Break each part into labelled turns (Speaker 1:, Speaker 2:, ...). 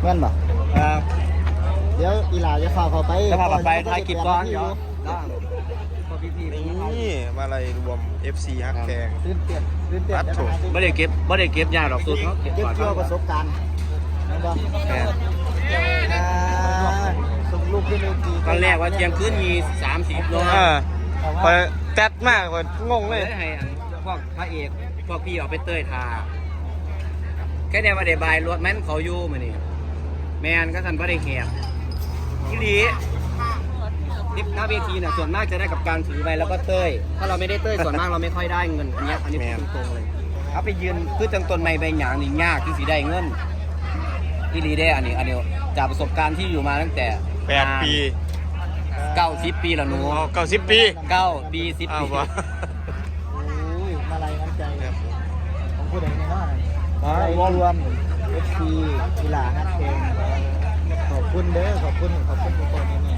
Speaker 1: แม่นบ่เดี๋ยวอีหลาจะพาเขาไป
Speaker 2: จะพาไปถ่ายคลิปก่อนเดี๋ยวพอพี่
Speaker 3: นี่มาอะไรรวม FC ฮักแกง
Speaker 1: ตื่นเต้น
Speaker 2: ไม่ได้เก็บยาดอกสุดเขาเก็บ
Speaker 1: เกี่ยวประสบการณ์นะบ่
Speaker 3: แม่
Speaker 1: ส่งลูกขึ้นเวที
Speaker 2: ตอนแรกว่าเที่ยงคืนมี30โล
Speaker 3: พอแต๊ดมากพองงเลย
Speaker 2: ให้พวกพระเอกพวกพี่เอาไปเต้ยทาแค่เนี้ยว่าได้บายรถแม่นเขาอยู่มานี่แมนก็ทันว่าได้แหบที่ดีดิบหน้าเวทีน่ะส่วนมากจะได้กับการถือไปแล้วก็เต้ยถ้าเราไม่ได้เต้ยส่วนมากเราไม่ค่อยได้เงินอันนี้พูดตรงๆเลยเอาไปยืนคือจังต้นไม้ใบหยางนี่ยากที่สิได้เงินที่ดีได้อันนี้จากประสบการณ์ที่อยู่มาตั้งแต่
Speaker 3: 8 ปี
Speaker 2: 90 ปีแล้วหนู
Speaker 3: 90 ปี
Speaker 2: 9 ปี 10 ปี
Speaker 1: โอ้ยมาลัยน้ำใจของผู้ใดในน้องรวม FC อีหลาฮักแกงขอบคุณเด้อขอบคุณทุกคนนี่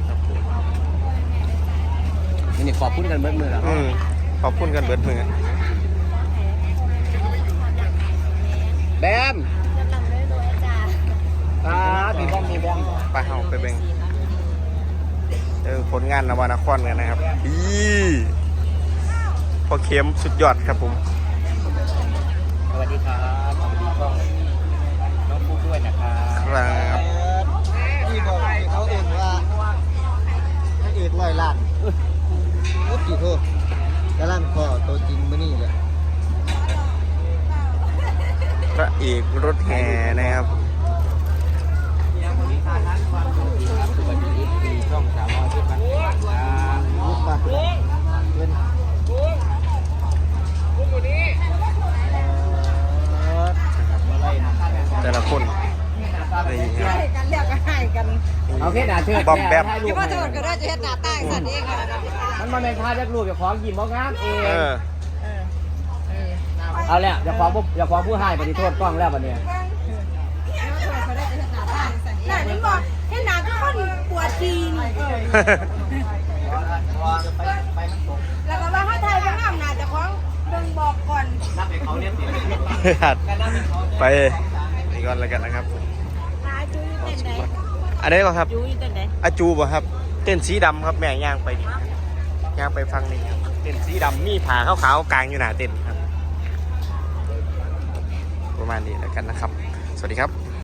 Speaker 2: นี่ขอบคุณกันเบิดมือแล้ว
Speaker 3: ขอบคุณกันเบิดมือ
Speaker 2: แบมมีบ้องมีแบม
Speaker 3: ไปเฮาไปเบ่งผลงานนวนครกันนะครับพอเข้มสุดยอดครับผม
Speaker 2: สวัสดีครับสวัสดีกล้องน้องผู้ด้วยนะครับ
Speaker 3: ครับ
Speaker 1: ที่บอกที่เขาเองว่าพระเอก100 ล้านรถกี่โทษกระลั่นคอตัวจริงมื้อนี้เลย
Speaker 3: พระเอกรถแห่นะครับ
Speaker 2: สวัสดีครับสวัสดีที่ช่อง300ที่มัน
Speaker 1: ลูกปะเงินอะไรนะ
Speaker 3: แต่ละคนนี่ครับ
Speaker 4: กันเรียกกันให้กัน
Speaker 2: เอาแค่หนาเชิด
Speaker 3: บอมแบม
Speaker 4: ที่พ่อโทษก็ได้จะเฮ็ดหน้าตาสัตว์เองค่ะ
Speaker 2: มันมาเป็นท่าเรียกรูปอย่าของยิ้มบ้องงามเอง
Speaker 3: เ
Speaker 2: เอาแล้วอย่าของผู้ให้ปฏิโทษกล้องแล้วบัดนี้
Speaker 4: หน้านี่บอกให้หน้าทุกคนปวดจีนแล้วก็ว่าถ้าไทยเป็นงามหน้าจะคล้องเบิ่งบอกก่อน
Speaker 2: นับให้เขาเนี่ยสิ
Speaker 3: ไปนี่ก่อนแล้วกันนะครับ
Speaker 4: หาจูอยู่เต้นไหน
Speaker 3: อันนี้ก่อนครับ
Speaker 4: จูอยู่เต้นไหน
Speaker 3: อาจูบ่ครับเต้นสีดำครับแม่ย่างไปดิย่างไปฟังนี่ครับเต้นสีดำมีผาขาวๆกลางอยู่หน้าเต้นครับประมาณนี้แล้วกันนะครับสวัสดีครับ